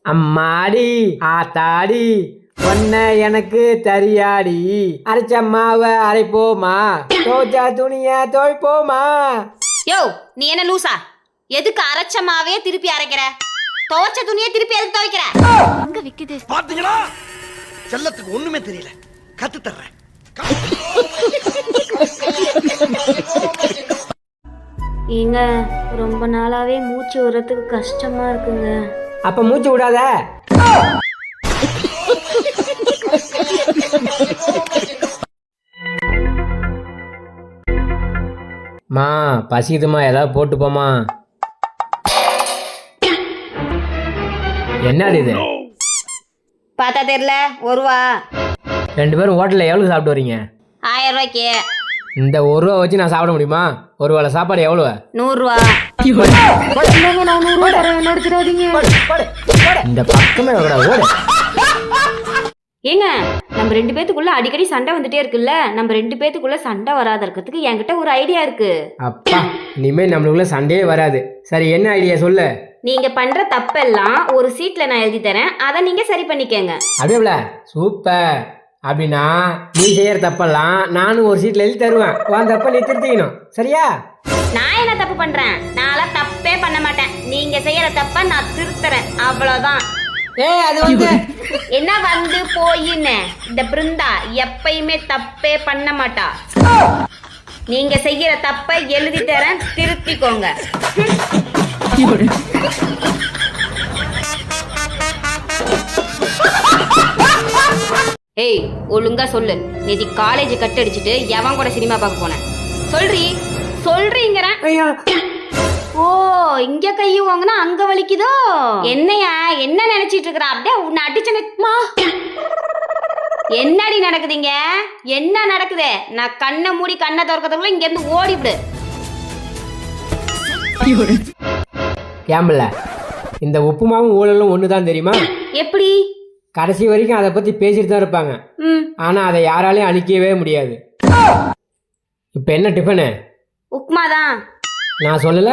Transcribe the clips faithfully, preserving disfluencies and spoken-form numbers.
அம்மாடி ஆத்தாடி ஒன்ன எனக்கு தரியாடி அரைச்ச மாவ அரைப்போமா தோச்சா துணிய துவைப்போமா. யோ நீ என்ன லூசா? எதுக்கு அரைச்ச மாவே திருப்பி அரைக்கிற? துவைச்ச துணியை திருப்பி எதுக்கு துவைக்கிற? அங்க விக்குது பாத்தீங்களா? செல்லத்துக்கு ஒண்ணுமே தெரியல, கத்து தர்றேன். ஏங்க ரொம்ப நாளாவே மூச்சு விடுறதுக்கு கஷ்டமா இருக்குங்க. அப்ப மூச்சு விடாத. மா பசிக்குதுமா, ஏதாவது போட்டு போமா. என்னது இது? பார்த்தா தெரியல. ஒரு ரூபா. ரெண்டு பேரும் ஹோட்டல்ல எவ்வளவு சாப்பிட்டு வரீங்க? ஆயிரம் ரூபாய்க்கு. இந்த ஒரு ரூபா வச்சு நான் சாப்பிட முடியுமா? ஒரு வேளை சாப்பாடு எவ்வளவு? நூறு ரூபா. இந்த பக்கமே ஓடு. ஏங்க நம்ம ரெண்டு பேத்துக்குள்ள அடிக்கடி சண்டை வந்துட்டே இருக்குல்ல, நம்ம ரெண்டு பேத்துக்குள்ள சண்டை வராத இருக்கிறதுக்கு என்கிட்ட ஒரு ஐடியா இருக்கு. அப்பா இனிமே நம்மளுக்குள்ள சண்டையே வராது. சரி என்ன ஐடியா சொல்லு. நீங்க பண்ற தப்பெல்லாம் ஒரு சீட்ல நான் எழுதி தரேன், அதை நீங்க சரி பண்ணிக்கங்க. அப்படியே சூப்பர். அப்படின்னா நீ செய்யற தப்பெல்லாம் நானும் ஒரு சீட்ல எழுதி தருவேன். உன் தப்ப நீ திருத்திக்கணும், சரியா? நான் என்ன தப்பு பண்றேன்? நான் தப்பே பண்ண மாட்டேன். நீங்க செய்யற தப்ப நான் திருத்துறேன், அவ்வளவுதான். ஏய் அது வந்து என்ன வந்து போயின்னு இந்த பிருந்தா எப்பயுமே தப்பே பண்ண மாட்டா. நீங்க செய்யற தப்ப எழுதி தரேன், திருத்திக்கோங்க. ஏய் ஒழுங்கா சொல்லு. நேதி காலேஜ் கட் அடிச்சுட்டு எவன் கூட சினிமா பார்க்க போனேன்? சொல்றீ சொல்றீங்கிற. ஓ இங்க கை வாங்கினா அங்க வலிக்குதோ? என்னையா என்ன நினைச்சிட்டு இருக்கிற? அப்படியே உன்னை அடிச்சனமா. என்னடி நடக்குதுங்க? என்ன நடக்குது? நான் கண்ணை மூடி கண்ணை திறக்கிறதுக்குள்ள இங்க இருந்து ஓடிவிடு. கேம்பல இந்த உப்புமாவும் ஊழலும் ஒண்ணுதான் தெரியுமா? எப்படி? கடைசி வரைக்கும் அதை பத்தி பேசிட்டு தான் இருப்பாங்க, ஆனா அதை யாராலையும் அழிக்கவே முடியாது. இப்ப என்ன டிஃபனு? உப்புமாதான். நான் சொல்லல.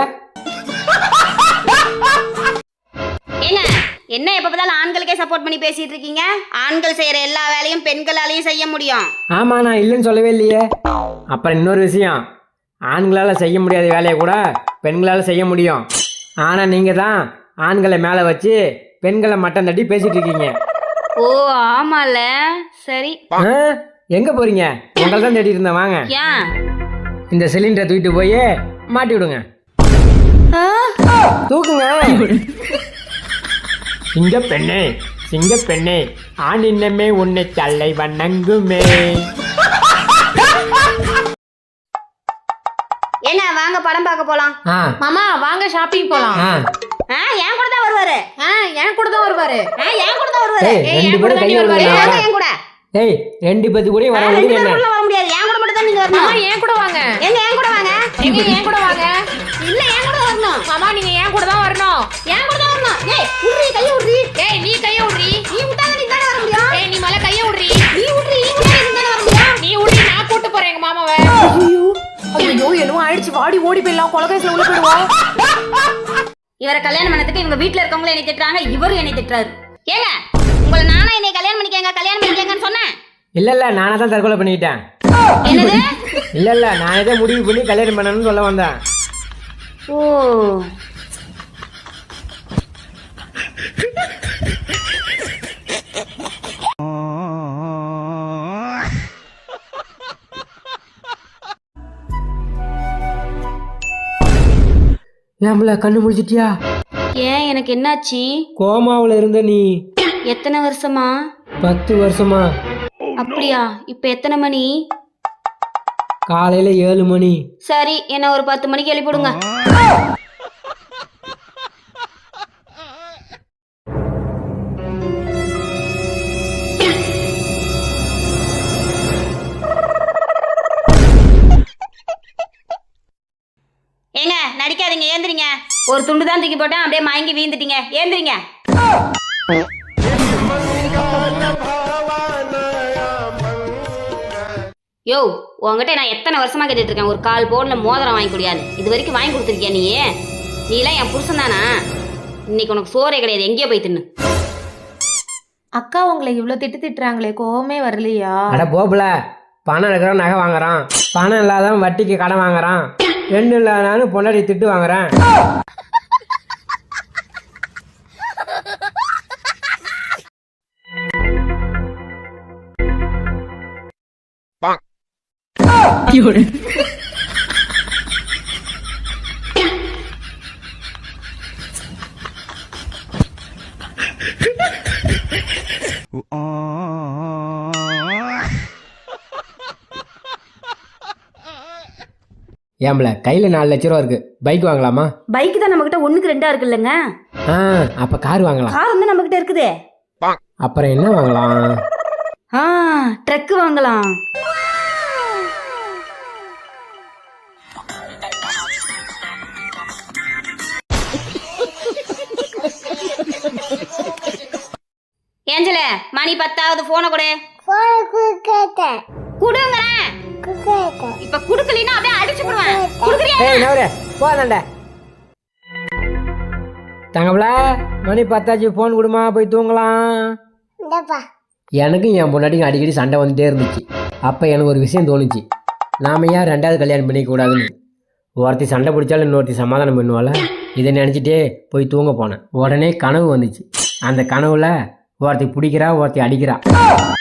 ஏங்க என்ன எப்ப பார்த்தாலும் ஆண்களுக்கே சப்போர்ட் பண்ணி பேசிட்டு இருக்கீங்க? ஆண்கள் செய்யற எல்லா வேலையும் பெண்களாலையும் செய்ய முடியும். ஆமா நான் இல்லைன்னு சொல்லவே இல்லையே. அப்புறம் இன்னொரு விஷயம், ஆண்களால செய்ய முடியாத வேலையை கூட பெண்களால செய்ய முடியும். ஆனா நீங்க தான் ஆண்களை மேல வச்சு பெண்களை மட்டம் தட்டி பேசிட்டு இருக்கீங்க. ஓ ஆமால. சரி எங்க போறீங்க? உங்களை தான் தேடிட்டு இருந்தேன், வாங்க. ஏன்? இந்த சிலிண்டரை தூக்கிட்டு போய் மாட்டி விடுங்க. தூக்குங்க. சிங்க பெண்ணே சிங்க பெண்ணே ஆண் இன்னமே உன்னை தல்லை வணங்குமே. என்ன வாங்க படம் பார்க்க போலாம். மாமா வாங்க ஷாப்பிங் போலாம். என் கூட தான் வருவாரு. என் கூட தான் வருவாரு. என் கூட தான் வருவாரு. ரெண்டு பேரும் கை வருவாரு. என் கூட. ஏய் ரெண்டு பேத்து கூட வர முடியாது. என்ன வர முடியாது. என் கூட மட்டும் தான் நீங்க வரணும். மாமா என் கூட வாங்க. எங்க என் கூட வாங்க. எங்க என் கூட வாங்க. இல்ல என் கூட வரணும். மாமா நீங்க என் கூட தான் வரணும். என் கூட தான் வரணும். ஏய் உர்றி கைய உர்றி. ஏய் நீ கைய உர்றி. நீ விட்டா நீ தான வர முடியும். ஏய் நீ மலை கைய உர்றி. நீ உர்றி நீ விட்டா நீ தான வர முடியும். நீ உர்றி, நான் கூட்டி போறேன் எங்க மாமாவை. ஐயோ ஐயோ என்னமோ ஆயிடுச்சு, வாடி ஓடி போயிடலாம், கொலகேஸ்ல உள்ள போயிடுவோம். இவரை கல்யாணம் பண்ணதுக்கு இவங்க வீட்ல இருக்கவங்க என்னை திட்டுறாங்க, இவரும் என்னை திட்டுறாரு. ஏங்க உங்களை நானா என்னை கல்யாணம் பண்ணிக்கங்க கல்யாணம் பண்ணிக்கங்கன்னு சொன்னேன்? இல்ல இல்ல நானே தான் தற்கொலை பண்ணிட்டேன். என்னது? இல்ல இல்ல நான் ஏதோ முடிவு பண்ணி கல்யாணம் பண்ணணும்னு சொல்ல வந்தேன். ஓ ஏம்பல கண்ணு முடிச்சிட்டியா? ஏன் எனக்கு என்னாச்சு? கோமாவுல இருந்த நீ எத்தனை வருஷமா? பத்து வருஷமா. அப்படியா? இப்ப எத்தனை மணி? காலையில ஏழு மணி. சரி என்ன ஒரு பத்து மணிக்கு எழுப்பிடுங்க. ஏங்க நடிக்காதீங்க, ஏந்திரிங்க. ஒரு துண்டு தான் தூக்கி போட்டேன், அப்படியே மயங்கி வீந்துட்டீங்க. ஏந்திரிங்க. யோ உங்ககிட்ட நான் எத்தனை வருஷமா கேட்டுட்டு இருக்கேன், ஒரு கால் பவுன்ல மோதிரம் வாங்கி கொடுயாது. இது வரைக்கும் வாங்கி கொடுத்துருக்கியா நீ? நீலாம் என் புருஷன் தானா? இன்னைக்கு உனக்கு சோறே கிடையாது, எங்கேயோ போய் தின்னு. அக்கா உங்களை இவ்வளவு திட்டு திட்டுறாங்களே கோவமே வரலையா? அட போப்புல, பணம் இருக்கிறவன் நகை வாங்குறான், பணம் இல்லாதவன் வட்டிக்கு கடன் வாங்குறான், ரெண்டு இல்லாதனாலும் பொண்டாடி திட்டு வாங்குறேன். ஏம்பல கையில் நாலு லட்ச ரூபா இருக்கு, பைக் வாங்கலாமா? பைக் தான் நம்ம கிட்ட ஒண்ணுக்கு ரெண்டா இருக்கு இல்லைங்க. ஆ அப்ப கார் வாங்கலாம். கார் வந்து நம்ம கிட்ட இருக்குதே. அப்புறம் என்ன வாங்கலாம்? ஆ ட்ரக் வாங்கலாம். ஏஞ்சல மணி பத்தாவது போன கொடு. குடுங்க. இப்ப குடுக்கலைன்னா அப்படியே அடிச்சு போடுவேன். குடுக்குறியா? ஏய் நவரே போதாண்ட. தங்கப்ல மணி பத்தாச்சு, ஃபோன் கொடுமா, போய் தூங்கலாம். எனக்கும் என் பொண்டாட்டிக்கும் அடிக்கடி சண்டை வந்துட்டே இருந்துச்சு. அப்போ எனக்கு ஒரு விஷயம் தோணுச்சு, நாம ஏன் ரெண்டாவது கல்யாணம் பண்ணிக்கூடாதுன்னு. ஒருத்தி சண்டை பிடிச்சாலும் இன்னொருத்தி சமாதானம் பண்ணுவாள். இதை நினச்சிட்டே போய் தூங்க போனேன். உடனே கனவு வந்துச்சு. அந்த கனவுல ஒருத்தி பிடிக்கிறா, ஒருத்தி அடிக்கிறா.